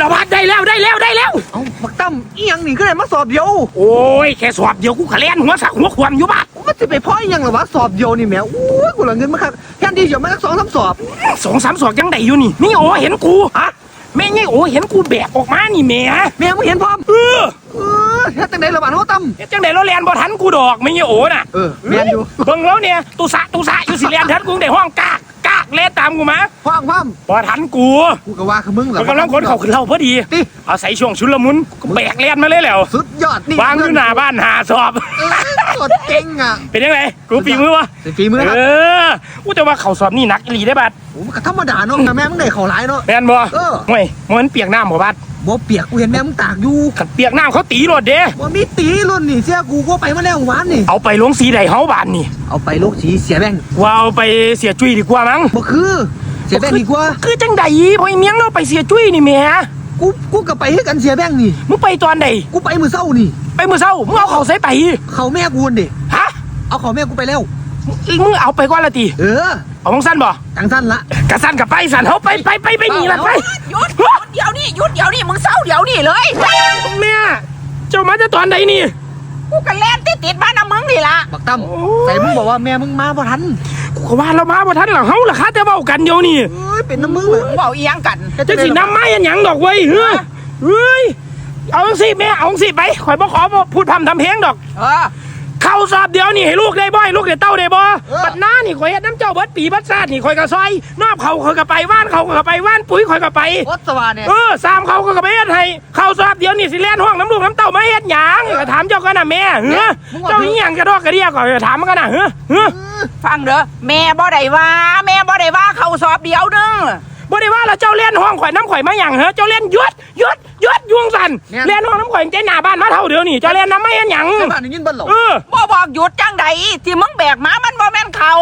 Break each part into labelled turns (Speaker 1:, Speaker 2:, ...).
Speaker 1: แล้วบาดได้แล้ว
Speaker 2: เอ้าบักตั้มอีหยังนี่ก็ได้มาสอบเดียว
Speaker 1: โอ้ยแค่สอบเดียวกูขะแลนหัวสักหัวขวามอยู่บาด
Speaker 2: มันจะไปพ่ออีหยังหรอวะสอบเดียวนี่แหมอู้ยกูเหลือเงินมาครับแค่ที่เดี๋ยวมาสัก2-3 สอบ
Speaker 1: 2-3 สอบยังได้อยู่นี่นี่โอ้เห็นกูฮะแม่ไงโอ้เห็นกูแบกออกมานี่แม่
Speaker 2: มึงเห็นพร้อมแค่ตั้งไหนระบาดเขาตั้ม
Speaker 1: จังได๋เราแลนบ่ทันกูดอกไม่ไงโอ้น่ะ
Speaker 2: แม่นอยู่
Speaker 1: เบิ่งแล้วเนี่ยตุสะอยู่สิแลนทันกูได้ห้องกากแล่นตามกูมา
Speaker 2: พร้อม
Speaker 1: บ่ทันกู
Speaker 2: ก็ว่าคือมึงเหรอก
Speaker 1: ำลังคนเขาขึ้นเล่าพอดีเอาใส่ช่วงชุลมุนแบกแล่นมาเลยแล้ว
Speaker 2: สุดยอดนี่
Speaker 1: วางอยู่หน้าบ้าน5 สอบ
Speaker 2: กดเก่งอ่ะ
Speaker 1: เป็นยังไงกูฝีมือวะ
Speaker 2: ฝีมือครับ
Speaker 1: กูจะว่าเขาสอบนี่หนักอีหลีได้บัด
Speaker 2: โอ้มันก็ธรรมดาเนาะแม่มึงได้เขาหลายเนาะ
Speaker 1: แม่นบ่ห่วยมันเปียกน้ำบ่บัด
Speaker 2: บ่เปียกกูเห็นแม่มึงตากอยู่
Speaker 1: ขัดเปียกน้ำเขาตีรถเด้
Speaker 2: บ่มีตีรุ่นนี่เสียกูก็ไปมาแล้ววานนี่
Speaker 1: เอาไปลงสีใดเฮาบานนี่
Speaker 2: เอาไปลงสีเสียแบง
Speaker 1: ว่าเอาไปเสียจุ้ยดีกว่ามั้ง
Speaker 2: บ่คือเสียแบงดีกว่า
Speaker 1: คือจังใดพอเมียงเราไปเสียจุ้ยนี่แม่
Speaker 2: กูก็ไปให้กันเสียแบงนี่
Speaker 1: มึงไปตอนใด
Speaker 2: กูไปมื้อเช้านี่
Speaker 1: ไปมื้อเช้ามึงเอาเขาใส่ไป
Speaker 2: เขาแม่กูดิ
Speaker 1: ฮะ
Speaker 2: เอาเขาแม่กูไปแล้ว
Speaker 1: มึงเอาไปก่อนละติเอาของสั้นบ่
Speaker 2: จังสั้นละ
Speaker 1: กะสั้นกับไปสั้นเฮาไปนี่ละไป
Speaker 3: หยุดเดี๋ยวนี่มึงเศร้าเดี๋ยวนี่เลย
Speaker 1: แม่เจ้ามาจะตอนใดนี่
Speaker 3: กูกันแล่นติดบ้านมึงนี่ละ
Speaker 2: บักตั้มแต่มึงบอกว่าแม่มึงมาบ่ทัน
Speaker 1: กูก็ว่าเรามาบ่ทันหรอเฮาล่ะคะแต่เว้ากันเดี๋ยวนี้
Speaker 2: เป็นน้ำมึงเลย
Speaker 3: เว้าอีหยังกัน
Speaker 1: จังสิน้ำไม้อันหยังดอกเว้ยเฮ้ยเอาจังสิแม่เอาจังสิไปข่อยบ่ขอพูดพร่ำทำเพลงดอกเข้าสอบเดี๋ยวนี่ให้ลูกได้บ่ให้ลูกได้เต้าได้บ่บัดหน้านี่ข่อยเฮ็ดน้ำเจ้าเบิดปีบัดซาดนี่ข่อยก็ซอยนอบเขาข่อยก็ไปว่านเขาก็ไปว่านปุ๋ยข่อยก็ไป
Speaker 2: วัดสว่างเนี่ย
Speaker 1: สามเขาก็ไปเฮ็ดให้เข้าสอบเดี๋ยวนี่สิแล่นห้องน้ำลูกน้ำเต้ามาเฮ็ดหยังก็ถามเจ้ากันน่ะแม่เจ้าอีหยังกระดอกกระเดียก็ถามมันกันน่ะ
Speaker 3: ฟังเด้อแม่บ่ได้ว่าเขาสอบเดียวนึง
Speaker 1: บ่ได้ว่าแล้วเจ้าเล่นห้องข่อยน้ำข่อยมาหยังเจ้าเล่นยุดยวงสันเล่นห้องน้ำข่อยเจ้าหน้าบ้านมาเท่าเดียวนี่เจ้าเล่นน้ำไม่เห็นหยัง
Speaker 2: บ้านนี่ยินบ้านหลง
Speaker 3: บ่บอกหยุดจังใดที่มึงแบกมามันบ่แม่นเขา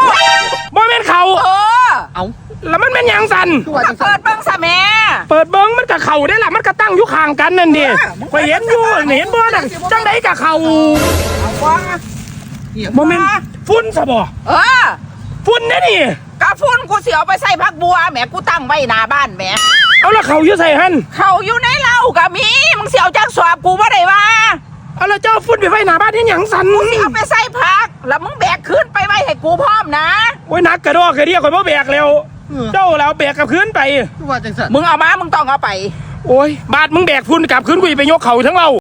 Speaker 1: เอาแล้วมันเป็นหยังสัน
Speaker 3: เปิดเบิ้งซะแม่
Speaker 1: เปิดเบิ้งมันกับเขาได้ล่ะมันก็ตั้งอยู่ข้างกันนั่นดิข่อยเห็นอยู่เห็นบ่น่ะจังใดกับเขาบ่แม่นฝุ่นซะบ่ฝุ่นนี่นี่
Speaker 3: กะฝุ่นกูสิเอาไปใส่ผักบัวแหมกูตั้งไว้หน้าบ้านแหม
Speaker 1: เอาละเขาอยู่ใส่หั่น
Speaker 3: เขาอยู่ในเหล้ากะมีมึงสิเอาจักสอบกูบ่ได้ว่า
Speaker 1: เอาละเจ้าฝุ่นไปไว้หน้าบ้านเฮ็ดหยังสัน
Speaker 3: กูสิเอาไปใส่ผักแล้วมึงแบกขึ้นไปไว้ให้กูพร้อมนะ
Speaker 1: โอ้ยนักกระดอกกระเดียข่อยบ่แบกแล้วเจ้าแล้วแบกกับขึ้นไป
Speaker 2: ว่าจังซั่น
Speaker 3: มึงเอามามึงต้องเอาไป
Speaker 1: โอ้ยบาดมึงแบกฝุ่นกับขึ้นกูไปยกเขาทั้งเรา